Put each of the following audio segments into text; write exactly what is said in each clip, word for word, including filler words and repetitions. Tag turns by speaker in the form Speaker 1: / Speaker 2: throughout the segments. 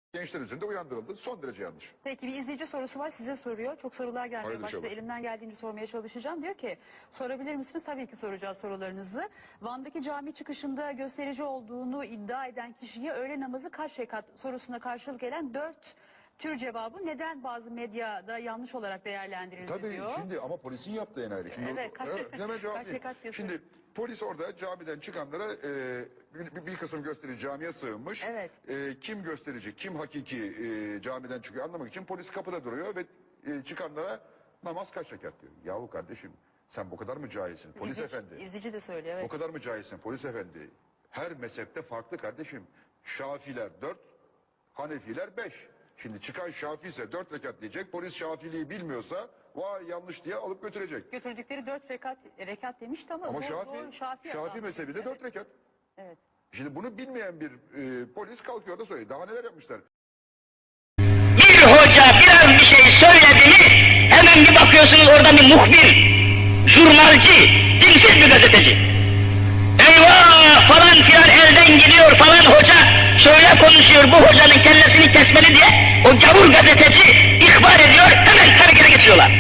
Speaker 1: gençler üzerinde uyandırıldı. Son derece yanlış.
Speaker 2: Peki bir izleyici sorusu var, size soruyor. Çok sorular gelmeye
Speaker 1: Hayırlı
Speaker 2: başladı.
Speaker 1: inşallah.
Speaker 2: Elimden geldiğince sormaya çalışacağım. Diyor ki, sorabilir misiniz? Tabii ki soracağız sorularınızı. Van'daki cami çıkışında gösterici olduğunu iddia eden kişiye öğle namazı kaç rekat sorusuna karşılık gelen dört tür cevabı neden bazı medyada yanlış olarak değerlendirildi
Speaker 1: Tabii
Speaker 2: diyor.
Speaker 1: şimdi ama polisin yaptığı enayeli. Şimdi
Speaker 2: Evet, kaç-
Speaker 1: evet, hemen cevap
Speaker 2: kaç
Speaker 1: vereyim.
Speaker 2: rekat diyorsun?
Speaker 1: Şimdi polis orada camiden çıkanlara e, bir, bir kısım gösterici camiye sığınmış.
Speaker 2: Evet.
Speaker 1: E, kim gösterici, kim hakiki e, camiden çıkıyor anlamak için polis kapıda duruyor ve e, çıkanlara namaz kaç rekat diyor. Yahu kardeşim sen bu kadar mı cahilsin polis
Speaker 2: İzleyici,
Speaker 1: efendi?
Speaker 2: izleyici de söylüyor.
Speaker 1: O
Speaker 2: Evet.
Speaker 1: kadar mı cahilsin polis efendi? Her mezhepte farklı kardeşim. Şafiler dört, Hanefiler beş. Şimdi çıkan Şafi ise dört rekat diyecek. Polis Şafiliği bilmiyorsa vay yanlış diye alıp götürecek.
Speaker 2: Götürdükleri dört rekat, rekat demişti ama,
Speaker 1: Ama
Speaker 2: doğru,
Speaker 1: Şafi,
Speaker 2: doğru, Şafi,
Speaker 1: Şafi
Speaker 2: adam.
Speaker 1: mezhebi de
Speaker 2: Evet,
Speaker 1: dört rekat.
Speaker 2: evet.
Speaker 1: Şimdi bunu bilmeyen bir e, polis kalkıyor da söylüyor. Daha neler yapmışlar?
Speaker 3: Bir hoca biraz bir şey söyledi mi hemen bir bakıyorsunuz orada bir muhbir, jurnalci, dinsiz bir gazeteci. Eyvah falan filan elden gidiyor falan hoca şöyle konuşuyor bu hocanın kellesini kesmeli diye o gavur gazeteci ihbar ediyor hemen harekete geçiyorlar.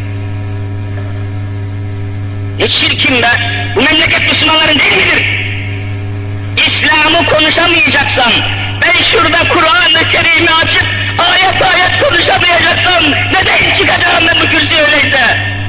Speaker 3: Ne çirkin be bu memleket Müslümanların değil midir? İslam'ı konuşamayacaksan ben şurada Kur'an-ı Kerim'i açıp ayet ayet konuşamayacaksam neden çıkacağım ben bu kürsüye öyleyse?